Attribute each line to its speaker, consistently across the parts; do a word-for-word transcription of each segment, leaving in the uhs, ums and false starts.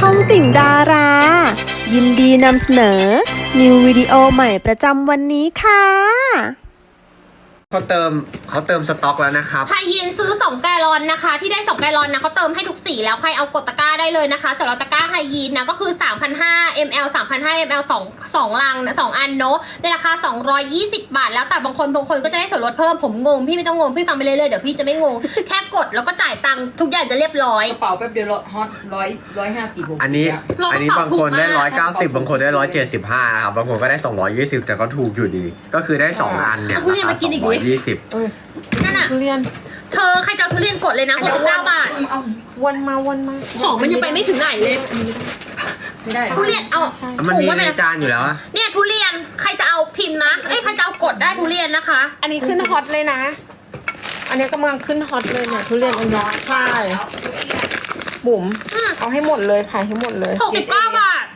Speaker 1: องติ่งดารา ยินดีนำเสนอ นิววิดีโอใหม่ประจำวันนี้ค่ะ
Speaker 2: เขาเติมเขาเติมสต็อกแล้วนะครับ
Speaker 3: ไทยยินซื้อสองแกลลอนนะคะที่ได้สองแกลลอนนะเขาเติมให้ทุกสีแล้วใครเอากดตะกร้าได้เลยนะคะสำหรับตะกร้าไทยยินนะก็คือ สามพันห้าร้อย มิลลิลิตร สามพันห้าร้อย มิลลิลิตร สอง สองลังนะสองอันเนาะในราคาสองร้อยยี่สิบบาทแล้วแต่บางคนบางคนก็จะได้ส่วนลดเพิ่มผมงงพี่ไม่ต้องงงพี่ฟังไปเรื่อยๆเดี๋ยวพี่จะไม่งง แค่กดแล้วก็จ่ายตังค์ทุกอย่างจะเรียบร้อย
Speaker 4: กระเป๋าแป๊บเดียวฮอตร้อยร้อยห้าสิบ
Speaker 2: อันนี้อันนี้บางคนได้ร้อยเก้าสิบบางคนได้ร้อยเจ็ดสิบห้านะครับบางคนก็ได้สองร้อยยี่สิบแต่ก็ถูกอยู่ดีก็คือได้สองอันเนี่ยราคาสองร้อยยี่สิบ
Speaker 3: นั่นน่ะ
Speaker 4: ทุเรียน
Speaker 3: เธอใครจะเอาทุเรียนกดเลยนะหกสิบเก้าบาท
Speaker 4: วนมาวนมา
Speaker 3: ของมันยังไปไม่ถึงไหนเลย
Speaker 4: ไม่ได้
Speaker 3: ทุเรียนเอา
Speaker 2: มันมีในจานอยู่แล้วอะ
Speaker 3: เนี่ยทุเรียนใครจะเอาพิมพ์นะเอ้ยใครจะเอากดได้ทุเรียนนะคะ
Speaker 4: อันนี้ขึ้นฮอตเลยนะอันนี้กำลังขึ้นฮอตเลยเนี่ยทุเรียนอันนี้ใช่บุ๋มเอาให้หมดเลยขายให้หมดเลย
Speaker 3: หกสิบเก้าบาท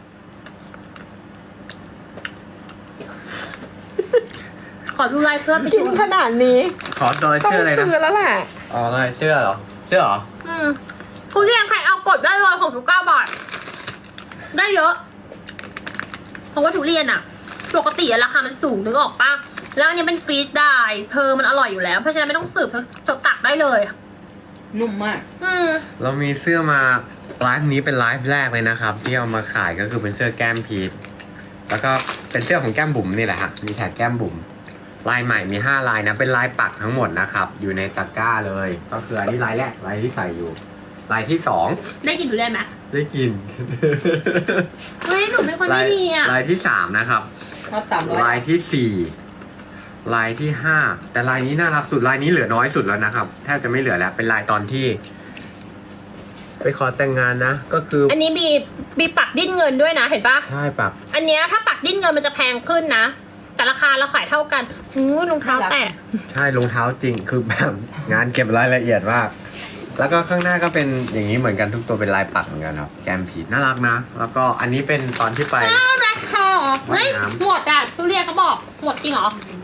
Speaker 3: ขอดูลายเพื่อนไปดู
Speaker 4: ขนาดนี้
Speaker 2: ขอโดยเสื้ออะไรนะ
Speaker 4: ต้องซื้อแล้วแหละ
Speaker 2: อ๋ออะไรเสื้อเหรอเสื้อเหรอ
Speaker 3: อืมทุเรียนใครเอากดได้เลยหกสิบเก้าบาทได้เยอะเพราะว่าทุเรียนอะปกติราคามันสูงนึกออกปะแล้วอันนี้เป็นฟรีดได้เพอมันอร่อยอยู่แล้วเพราะฉะนั้นไม่ต้องสืบเธอตักได้เลย
Speaker 4: นุ่มมาก
Speaker 3: อืม
Speaker 2: เรามีเสื้อมาไลฟ์นี้เป็นไลฟ์แรกเลยนะครับที่เอามาขายก็คือเป็นเสื้อแก้มพีทแล้วก็เป็นเสื้อของแก้มบุ๋มนี่แหละฮะมีแท็กแก้มบุ๋มลายใหม่มีห้าลายนะเป็นลายปักทั้งหมดนะครับอยู่ในตะกร้าเลยก็คืออันนี้ลายแรกลายที่ใส่อยู่ลายที่สอง
Speaker 3: ได้กินทุเรียนไหม
Speaker 2: ได้กิน
Speaker 3: เฮ้ยหนูเป็นคนไม่ดีอ่ะ
Speaker 2: ลายที่สามนะครับลายที่สี่ลายที่ห้าแต่ลายนี้น่ารักสุดลายนี้เหลือน้อยสุดแล้วนะครับแทบจะไม่เหลือแล้วเป็นลายตอนที่ไปขอแต่งงานนะก็คือ
Speaker 3: อันนี้มีมีปักดิ้นเงินด้วยนะเห็นปะ
Speaker 2: ใช่ปัก
Speaker 3: อันเนี้ยถ้าปักดิ้นเงินมันจะแพงขึ้นนะแต่ราคาเราขายเท่ากันหูรองเท้าแตะ
Speaker 2: ใช่รองเท้าจริงคือแบบงานเก็บรายละเอียดมากแล้วก็ข้างหน้าก็เป็นอย่างนี้เหมือนกันทุกตัวเป็นลายปักเหมือนกันครับแกมผีน่ารักนะแล้วก็อันนี้เป็นตอนที่ไป
Speaker 3: น่ารักค่ะเฮ้ยหมดอ่ะทุเรียนเขาบอกหมดจริงเหรอ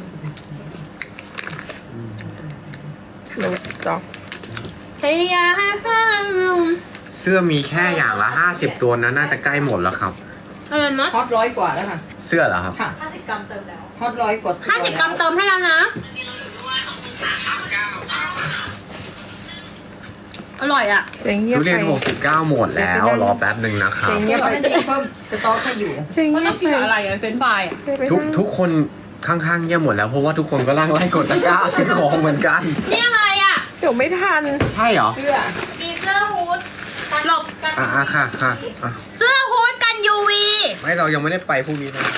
Speaker 4: โลสต็อก
Speaker 3: ใช่ยาค่ะ
Speaker 2: เสื้อมีแค่อย่างละห้าสิบตัวนะน่าจะใกล้หมดแล้วครับ
Speaker 3: อะไรนะ
Speaker 4: ฮอตร้อยกว่าแล้วค่ะ
Speaker 2: เสื้อเหรอครับ
Speaker 4: ห้าสิบกรัมเติมแล้วฮอตร้อยกว่า
Speaker 3: ห้าสิบกรัมเติมให้แล้วนะอร่อยอ่ะ
Speaker 2: ทุเรียนหกสิบเก้าหมดแล้วรอแป๊บหนึ่งนะครับ
Speaker 4: เงียบไปจะเพิ่มสต็อกให้อยู่
Speaker 3: มันต้องกินอะไรอ่ะเป็นไฟ
Speaker 2: ทุกทุกคนข้างๆเงียบหมดแล้วเพราะว่าทุกคนก็ร่างไล่กดตะกร้าซื้อของเหมือนกัน
Speaker 3: นี่อะไรอ่ะ
Speaker 4: เดี๋ยวไม่ทัน
Speaker 2: ใช่เหรอ
Speaker 4: เสื้อ
Speaker 3: มีเสื้อฮูดหลบ
Speaker 2: อ่ะค่ะค่ะ
Speaker 3: เสื้อฮูดกัน ยู วี
Speaker 2: ไม่เรายังไม่ได้ไปพรุ่งนี้นะ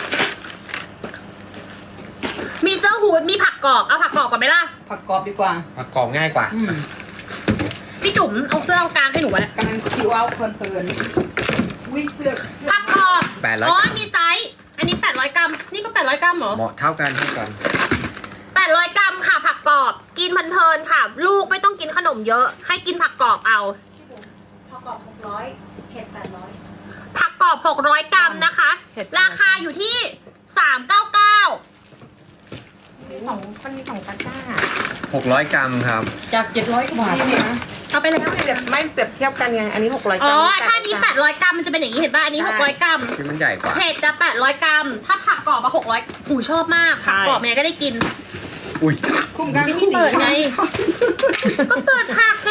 Speaker 3: มีเสื้อฮูดมีผักกรอบเอาผักกรอบก่อนไหมล่ะ
Speaker 4: ผักกรอบดีกว่า
Speaker 2: ผักกรอบง่ายกว่า
Speaker 3: พี่จุ๋มเอาเสื้อเอากลางให้หนูไว้
Speaker 4: กำลังคิวเอาเพลินๆวิ่งเสื้อ
Speaker 3: ผักกรอบ
Speaker 2: แปดร้อย
Speaker 3: อ๋อมีไซส์อันนี้แปดร้อยกรัมนี่ก็แปดร้อยกรัมเหรอ
Speaker 2: เหมาะเท่ากันเท่ากัน
Speaker 3: แปดร้อยกรัมค่ะผักกรอบกินเพลินๆค่ะลูกไม่ต้องกินขนมเยอะให้กินผักกรอบเอา
Speaker 5: ผักกรอบหกร้อยเผ็ดแปดร้อย
Speaker 3: ผักกรอบหกร้อยกรัมนะคะราคาอยู่ที่สามเก้าเก้า
Speaker 4: มีสองมันมีสองตะกร้า
Speaker 2: หกร้อยกรัมครับ
Speaker 4: จากเจ็ดร้อยกว่าบาทนะ
Speaker 3: เอาไปแล้ว
Speaker 4: ไม่เปรียบไม่เปรียบเทียบกันไงอันนี้หกร้อยกรัม
Speaker 3: อ๋อถ้านี้แปดร้อยกรัมมันจะเป็นอย่างนี้เห็นป่ะอันนี้หกร้อยกรัม
Speaker 2: ที่มันใหญ่กว่า
Speaker 3: เผ็ดจะแปดร้อยกรัมถ้าผักกรอบมาหกร้อยหูชอบมากผักกรอบแม่ก็ได้กิน
Speaker 2: อุ้ย
Speaker 4: คุ้มกัน
Speaker 3: ไม่เปิดไงก็เปิดผักไง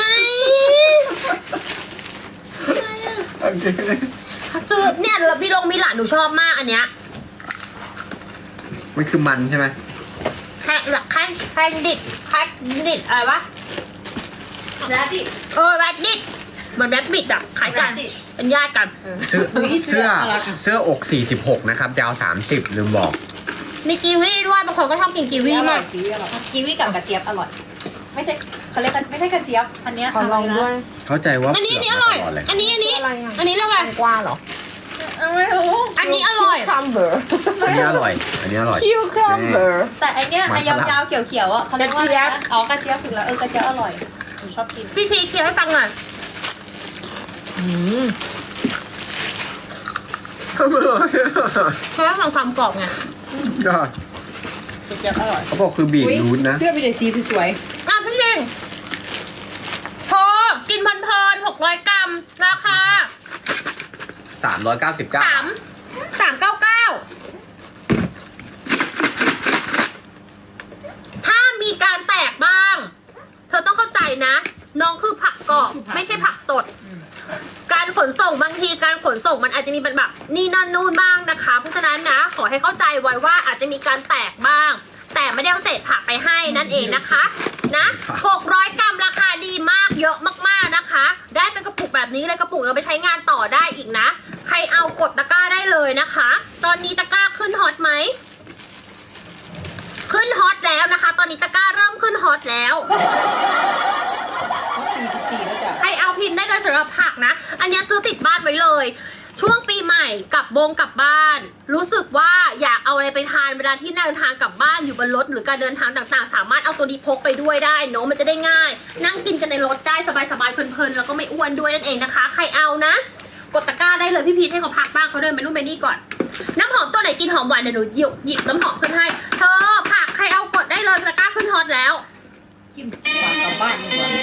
Speaker 3: ซื้อเนี่ยพี่ลงมีหลานหนูชอบมากอันเนี้ย
Speaker 2: มันคือมันใช่ไหม
Speaker 3: แค่แค่แค่ดิดแค่ดิดอะไรวะ
Speaker 5: แรดดิ
Speaker 3: เออแรดดิดเหมือนแรดบิดอะขายกันเป็นญาติกัน
Speaker 2: เสื้อเสื้อเสื้ออกสี่สิบหกนะครับยาวสามสิบลืมบอก
Speaker 3: มีกีวีด้วยบางคนก็ชอบกินกีวีมาก
Speaker 5: กีวีกับกระเจี๊ยบอร่อยไม่ใช่เขาเรียกกันไม่ใช่กระเจี๊ยบอันนี้
Speaker 4: ขอลองด้วย
Speaker 2: เข้าใจว่า
Speaker 3: อันนี้อันนี้อร่อยอันนี้อันนี้อันนี้เรียกว่า
Speaker 4: กว้าเหรอ
Speaker 5: ไม่รู้
Speaker 3: อันนี้อร่อย
Speaker 4: คัมเบอร์
Speaker 2: อันนี้อร่อยอันนี้อร่อย
Speaker 4: คิวคัมเบอร์
Speaker 5: แต่อันเนี้ยยาวๆเขียวๆอ่ะเขาเรียกว่าอ๋อกระเจี๊ยบถึงแล้วเออกระเจี๊ยบอร่อยผมชอบกิน
Speaker 3: พี่ทีเคี้ยวให้ฟังหน่อย
Speaker 4: อืม
Speaker 3: เพราะว่าฟังความกรอบไง
Speaker 2: ก็
Speaker 5: กระเจี๊ยบอร่อย
Speaker 2: เขาบอกคือบีทรูทนะ
Speaker 4: เสื้อมีแต่สีสวย
Speaker 3: อ่ะพี่เองพอกินเพลินๆหกร้อยกรัมราคา
Speaker 2: สามร้อยเก้าสิบเก้า
Speaker 3: สามสามเก้าเก้าถ้ามีการแตกบ้าง เธอต้องเข้าใจนะ น้องคือผักกรอบไม่ใช่ผักสด การขนส่งบางทีการขนส่งมันอาจจะมีเป็นแบบนี่นั่นนู่นบ้างนะคะ เพราะฉะนั้นนะขอให้เข้าใจไว้ว่าอาจจะมีการแตกบ้าง แต่ไม่ได้เอาเศษผักไปให้นั่นเองนะคะนะหกร้อยกรัมราคาดีมากเยอะมากๆนะคะ ได้เป็นกระปุกแบบนี้เลยกระปุกเอาไปใช้งานต่อได้อีกนะ ใครเอากดตะกร้าได้เลยนะคะ ตอนนี้ตะกร้าขึ้นฮอตไหมขึ้นฮอตแล้วนะคะ ตอนนี้ตะกร้าเริ่มขึ้นฮอตแล้ว
Speaker 5: สี่สิบสี่แล้วจ้ะ
Speaker 3: ใครเอาพิมพ์ได้เลยสำหรับผักนะ อันนี้ซื้อติดบ้านไว้เลย ช่วงปีใหม่กลับบงกลับบ้าน รู้สึกว่าอยากเอาอะไรไปทานเวลาที่เดินทางกลับบ้านอยู่บนรถหรือการเดินทางต่างๆ สามารถเอาตัวนี้พกไปด้วยได้เนอะมันจะได้ง่าย นั่งกินกันในรถได้สบายๆเพลินๆแล้วก็ไม่อ้วนด้วยนั่นเองนะคะ ใครเอานะ กดตะกร้าได้เลยพี่พีทให้เขาพักบ้างเขาเดินไปนู่นไปนี่ก่อน น้ำหอมตัวไหนกินหอมหวานเดี๋ยวหนูหยิบหยิบน้ำหอมขึ้นให้ เธอผักใครเอากดได้เลยตะกร้าขึ้นฮอตแล้ว
Speaker 5: จิ้มฝากกลับบ้านดีกว่า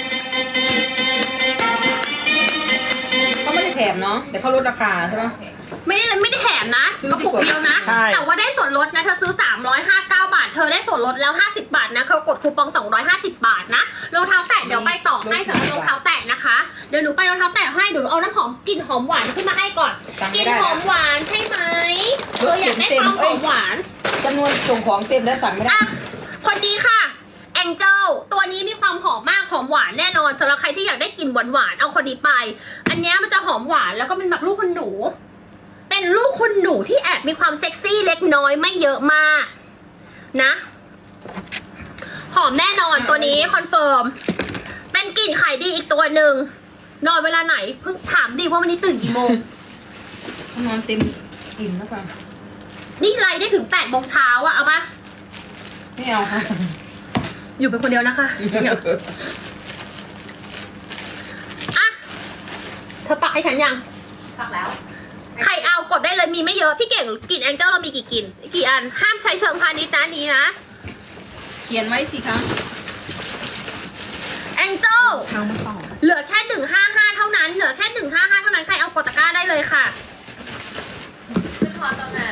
Speaker 5: เขาไม่ได้แถมเนาะแต่เขาลดราคาใช่ไหม
Speaker 3: ไม่ได้ไม่ได้แถมนะ
Speaker 5: ซื้อก
Speaker 3: ระปุกเดียวนะ
Speaker 4: ใช่
Speaker 3: แต่ว่าได้ส่วนลดนะเธอซื้อสามร้อยห้าสิบเก้าบาทเธอได้ส่วนลดแล้วห้าสิบบาทนะเขากดคูปองสองร้อยห้าสิบบาทนะรองเท้าแตะเดี๋ยวไปต่อให้สำหรับรองเท้าแตะนะคะเดี๋ยวหนูไปรองเท้าแตะให้เดี๋ยวหนูเอาน้ำหอมกลิ่นหอมหวานขึ้นมาให้ก่อนกลิ่นหอมหวานใช่ไหมเธออยากได้ความหอมหวาน
Speaker 5: จำนวนส่งของเต็มแล้วสั่งไม่ได้
Speaker 3: อ่ะคนนี้ค่ะแองเจิลตัวนี้มีความหอมมากหอมหวานแน่นอนสำหรับใครที่อยากได้กลิ่นหวานๆเอาคนนี้ไป อันนี้มันจะหอมหวานแล้วก็เป็นแบบลูกคุณหนูเป็นลูกคุณหนูที่แอบมีความเซ็กซี่เล็กน้อยไม่เยอะมากนะหอมแน่นอนตัวนี้คอนเฟิร์มเป็นกลิ่นขายดีอีกตัวหนึ่งนอนเวลาไหนเพิ่งถามดิว่าวันนี้ตื่นกี่โมง
Speaker 5: นอนเต็มอิ่มแล้วค่ะ
Speaker 3: นี่ไลฟ์ได้ถึงแปดโมงเช้าอะเอาปะ
Speaker 5: ไม่เอาค่ะ
Speaker 3: อยู่เป็นคนเดียวนะคะอะเธอปักให้ฉันยัง
Speaker 5: พักแล้ว
Speaker 3: ใครเอากดได้เลยมีไม่เยอะพี่เก่งกลิ่นแองเจิลเรามีกี่กลิ่นกี่อันห้ามใช้เชิงพาณิชย์นะนี้นะ
Speaker 5: เขียนไว้สิคะ
Speaker 3: แองเจิลเหลือแค่หนึ่งห้าห้าเท่านั้นเหลือแค่หนึ่งห้าห้าเท่านั้นใครเอากดตะกร้าได้เลยค่ะ
Speaker 5: ขึ้นฮอตแล้วนะ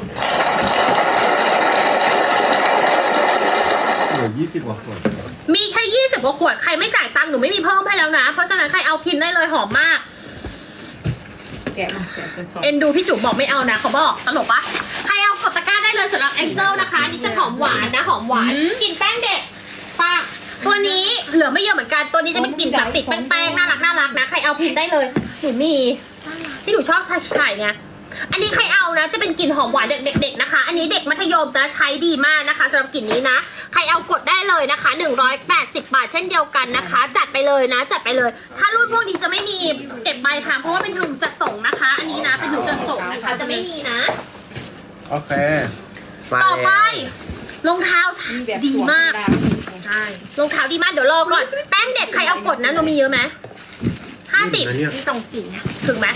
Speaker 6: เหลือยี่สิบกว่าขวด
Speaker 3: มีแค่ยี่สิบกว่าขวดใครไม่จ่ายตังค์หนูไม่มีเพิ่มให้แล้วนะเพราะฉะนั้นใครเอาพิมพ์ได้เลยหอมมาก
Speaker 5: แกะมาแกะเป็นซอง
Speaker 3: เอ็นดูพี่จุ๋มบอกไม่เอานะเขาบอกตลกปะใครเอากดตะกร้าได้เลยสำหรับแองเจิลนะคะนี่จะหอมหวานนะหอมหวานกลิ่นแป้งเด็กปะตัวนี้เหลือไม่เยอะเหมือนกันตัวนี้จะเป็นกลิ่นแบบติดแป้งๆน่ารักน่ารักนะใครเอาพิมพ์ได้เลยหนูมีที่หนูชอบใช้ใช้ไงอันนี้ใครเอานะจะเป็นกลิ่นหอมหวานเด็กๆนะคะ อันนี้เด็กมัธยมนะใช้ดีมากนะคะสำหรับกลิ่นนี้นะใครเอากดได้เลยนะคะหนึ่งร้อยแปดสิบบาทเช่นเดียวกันนะคะ จัดไปเลยนะจัดไปเลย ถ้ารุ่นพวกนี้จะไม่มีเก็บใบค่ะเพราะว่าเป็นถุงจัดส่งนะคะ อันนี้นะเป็นถุงจัดส่งนะคะจะไม่มีนะ
Speaker 2: โอเคมา
Speaker 3: ต่อไป
Speaker 2: แล้ว
Speaker 3: รองเท้า
Speaker 5: มีแบบ
Speaker 3: ดีมากใช่รองเท้าดีมากเดี๋ยวรอก่อนแป้งเด็กใครเอากดนะเรามีเยอะไหมห้าสิบ
Speaker 4: มีสองสี
Speaker 3: ถึงไหม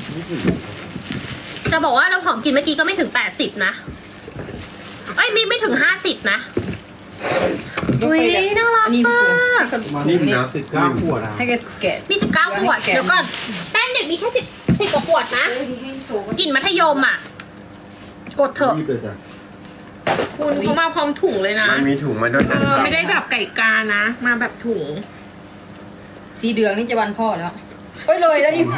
Speaker 3: จะบอกว่าเราหอมกินเมื่อกี้ก็ไม่ถึงแปดสิบนะเอ้ยไม่ไม่ถึงห้าสิบนะ
Speaker 5: ยก
Speaker 3: อุ้ย
Speaker 5: ไปแบบ
Speaker 3: น่ารัก
Speaker 5: อันนี้
Speaker 3: มาก
Speaker 6: มานิ่มนะสิบเก้าขวดนะ
Speaker 5: ให้แกแกะ
Speaker 3: มีสิบเก้าขวด
Speaker 5: แกะ
Speaker 3: เดี๋ยวก่อนแป้งเด็กมีแค่สิบสิบกว่าขวดนะ
Speaker 5: เออให้โชว์
Speaker 3: กลิ่นมัธยมอ่ะ กดเถอะ
Speaker 6: รีบเลยจ้ะ
Speaker 4: คุณเขามาพร้อมถุงเลยนะ
Speaker 2: มันมีถุงมาด้วย
Speaker 4: เอ
Speaker 2: นะ
Speaker 4: อไม่ได้แบบไก่กานะ มาแบบถุง
Speaker 5: สีเดืองนี่จะวันพ่อแล้วเอ้ยเลยแล้วนี่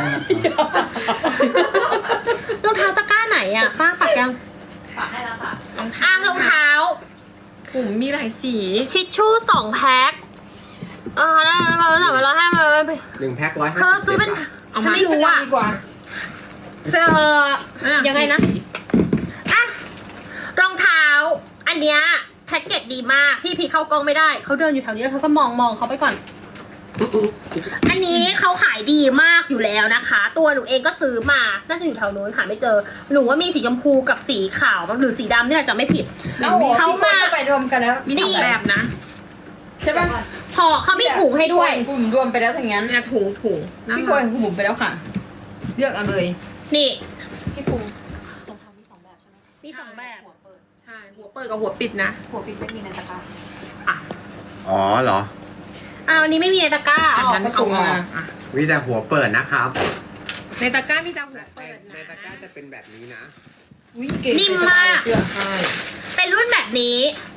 Speaker 3: รองเท้าตะกร้าไหนอ่ะฟ้าปักยัง
Speaker 5: ฝากให้แล้วค่ะ
Speaker 3: อ้างรองเท้า
Speaker 4: ถุงมีหลายสี
Speaker 3: ทิชชู่สองแพ็คเออได้แล้วแล้วแล้วแล้วให้มา
Speaker 2: หนึ่งแพ็คร้อยห้า
Speaker 3: เธอ
Speaker 2: สิบ
Speaker 3: ซื้อเป็น
Speaker 4: เอา
Speaker 3: ฉัน
Speaker 4: มา
Speaker 3: ไม่รู้อ่ะ
Speaker 5: ดีกว่า
Speaker 3: เออยังไงนะ อ่ะรองเท้า อันเนี้ยแพ็กเกจดีมากพี่พีเข้ากล้องไม่ได้เขาเดินอยู่แถวนี้แล้วเขาก็มองมองเขาไปก่อน อันนี้เขาขายดีมากอยู่แล้วนะคะ ตัวหนูเองก็ซื้อมาน่าจะอยู่แถวนู้นหาไม่เจอหนูว่ามีสีชมพูกับสีขาวหรือสีดำเนี่ยจะไม่ผิด
Speaker 5: แล้ว
Speaker 3: เขา
Speaker 5: เขา
Speaker 3: มา
Speaker 5: มาไปรวมกันแล้ว
Speaker 4: มีสองแบบนะ
Speaker 5: ใช่ป่ะ
Speaker 3: พอเขามีถุงให้ด้วย
Speaker 5: กลุ่มรวมไปแล้วทั้งนั้น
Speaker 4: เนี่ยถุงถุงน่า
Speaker 5: พี่
Speaker 4: รั
Speaker 5: กล้วย
Speaker 4: ก
Speaker 5: ของคุณบุ๋มไปแล้วค่ะ เลือกเอาเลย
Speaker 3: นี่
Speaker 5: พี่ปู
Speaker 3: มีสองแบบ
Speaker 4: ใช่หัวเปิดกับหัวปิดนะ
Speaker 5: หัวปิดไม่มีในตะกร้า
Speaker 2: อ๋อเหรอ
Speaker 3: อ้าวอันนี้ไม่มีในตะกร้า
Speaker 4: อันนั้น
Speaker 5: ก็
Speaker 4: เอา
Speaker 5: ส่ง
Speaker 4: อ
Speaker 5: มา
Speaker 4: อกอ่ะ
Speaker 2: มีแต่หัวเปิดนะครับ
Speaker 4: ในตะกร้ามีจะหัว
Speaker 2: ใน
Speaker 4: เปิด
Speaker 2: ในตะกร้า
Speaker 4: นะ
Speaker 2: จะเป็นแบบนี้นะ
Speaker 4: อุ๊ยเก๋
Speaker 3: นิ่มมาก
Speaker 4: เสื้อใช่
Speaker 3: เป็นรุ่นแบบนี้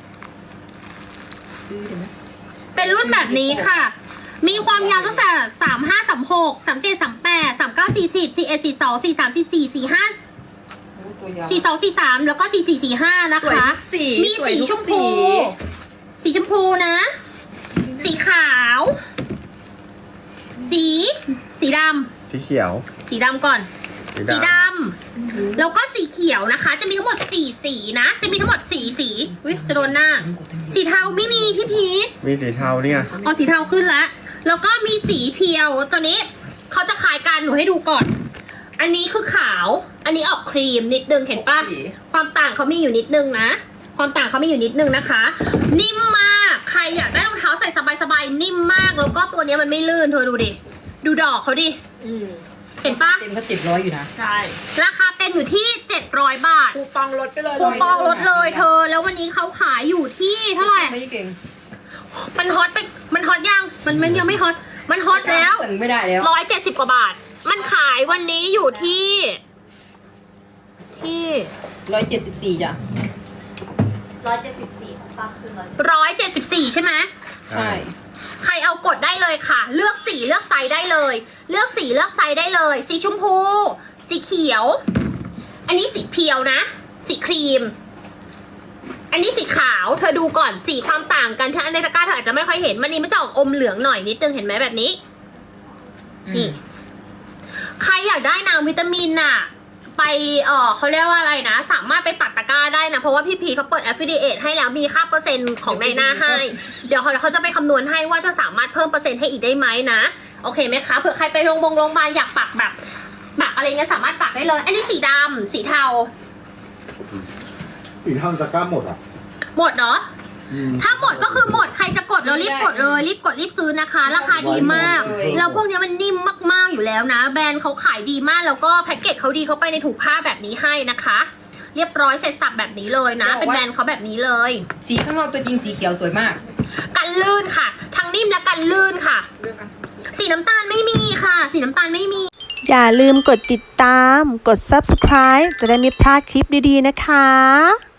Speaker 3: เป็นรุ่นแบบนี้ค่ะ มีความยาวตั้งแต่สามห้าสามหกสามเจ็ดสามแปดสามเก้าสี่สิบสี่เอ็ดสี่สองสี่สามสี่สี่สี่ห้า
Speaker 4: โอ้ตัวยาว
Speaker 3: สี่สองสี่สามแล้วก็สี่สี่สี่ห้านะ
Speaker 4: สวย
Speaker 3: คะ
Speaker 4: ทุกสี
Speaker 3: มี
Speaker 4: สวย
Speaker 3: สี
Speaker 4: ทุก
Speaker 3: ชมพู สีชมพูนะ สีขาว สี สีด
Speaker 2: สีเขียว
Speaker 3: ำสีดำก่อน สีดำแล้วก็สีเขียวนะคะ จะมีทั้งหมดสี่สีนะ จะมีทั้งหมดสี่สีอุ้ยจะโดนหน้า สีเทาไม่มีพี่พีท
Speaker 2: มีสีเทาเนี่ย
Speaker 3: เอาสีเทาขึ้นแล้ว แล้วก็มีสีเพียวตัวนี้เขาจะคล้ายกันหนูให้ดูก่อน อันนี้คือขาว อันนี้ออกครีมนิดนึงเห็นปะความต่างเขามีอยู่นิดนึงนะ ความต่างเขามีอยู่นิดนึงนะคะ นิ่มมาก ใครอยากได้รองเท้าใส่สบายๆ นิ่มมาก แล้วก็ตัวนี้มันไม่ลื่นเธอดูดิ ดูดอกเขาดิ
Speaker 4: อืม
Speaker 3: เห็นปะ
Speaker 4: เต็มก็เจ็ดร้อยอยู่นะ ใช่
Speaker 3: ราคาเต็มอยู่ที่เจ็ดร้อยบาท
Speaker 4: คูปองลดไปเลย
Speaker 3: คูปองลดเลยเธอ แล้ววันนี้เขาขายอยู่ที่เท่าไหร่
Speaker 4: ไม่เก่ง
Speaker 3: มันฮอตไป มันฮอตยัง มันมันยังไม่ฮอต มันฮอตแล้ว
Speaker 4: สั่งไม่ได้แล้ว
Speaker 3: ร้อยเจ็ดสิบกว่าบาท มันขายวันนี้อยู่ที่ ที่
Speaker 4: ร้อยเจ็ดสิบสี่จ้ะ
Speaker 5: ร้อยเจ็ดสิบสี่ของป้าคือร้อย
Speaker 3: ร้อยเจ็ดสิบสี่ใช่ไหม
Speaker 4: ใช่
Speaker 3: ใครเอากดได้เลยค่ะ เลือกสีเลือกไซส์ได้เลย เลือกสีเลือกไซส์ได้เลย สีชมพู สีเขียว อันนี้สีเพียวนะ สีครีม อันนี้สีขาว เธอดูก่อน สีความต่างกันถ้าในตะกร้าเธออาจจะไม่ค่อยเห็น มันนี้มันจะออกอมเหลืองหน่อยนิดนึงเห็นไหมแบบนี้ นี่ ใครอยากได้น้ำวิตามินน่ะ ไปเออเขาเรียกว่าอะไรนะ สามารถไปปักตะกร้าได้นะ เพราะว่าพี่พีเขาเปิด affiliate ให้แล้วมีค่าเปอร์เซ็นต์ของในหน้าให้ เดี๋ยวเขาเขาจะไปคำนวณให้ว่าจะสามารถเพิ่มเปอร์เซ็นต์ให้อีกได้ไหมนะ โอเคไหมคะเผื่อใครไปโรงพยาบาลโรงพยาบาลอยากปักแบบปักอะไรเงี้ยสามารถปักได้เลย อันนี้สีดำสีเทา
Speaker 6: สีเทาตะกร้าหมดอ่ะ
Speaker 3: หมดเนาะ
Speaker 6: อืม
Speaker 3: ถ้าหมดก็คือหมด ใครจะกดแล้วรีบกดเลย รีบกดรีบซื้อนะคะ ราคาดีมาก แล้วพวกนี้มันนิ่มมากๆอยู่แล้วนะ แบรนด์เขาขายดีมาก แล้วก็แพ็กเกจเขาดีเขาไปในถุงผ้าแบบนี้ให้นะคะ เรียบร้อยเสร็จสับแบบนี้เลยนะ เป็นแบรนด์เขาแบบนี้เลย
Speaker 4: สีข้างนอกตัวจริงสีเขียวสวยมาก
Speaker 3: กันลื่นค่ะ ทั้งนิ่มและกันลื่นค่ะ สีน้ำตาลไม่มีค่ะ สีน้ำตาลไม่มี
Speaker 1: อย่าลืมกดติดตาม กด ซับสไครบ์ จะได้ไม่พลาดคลิปดีๆนะคะ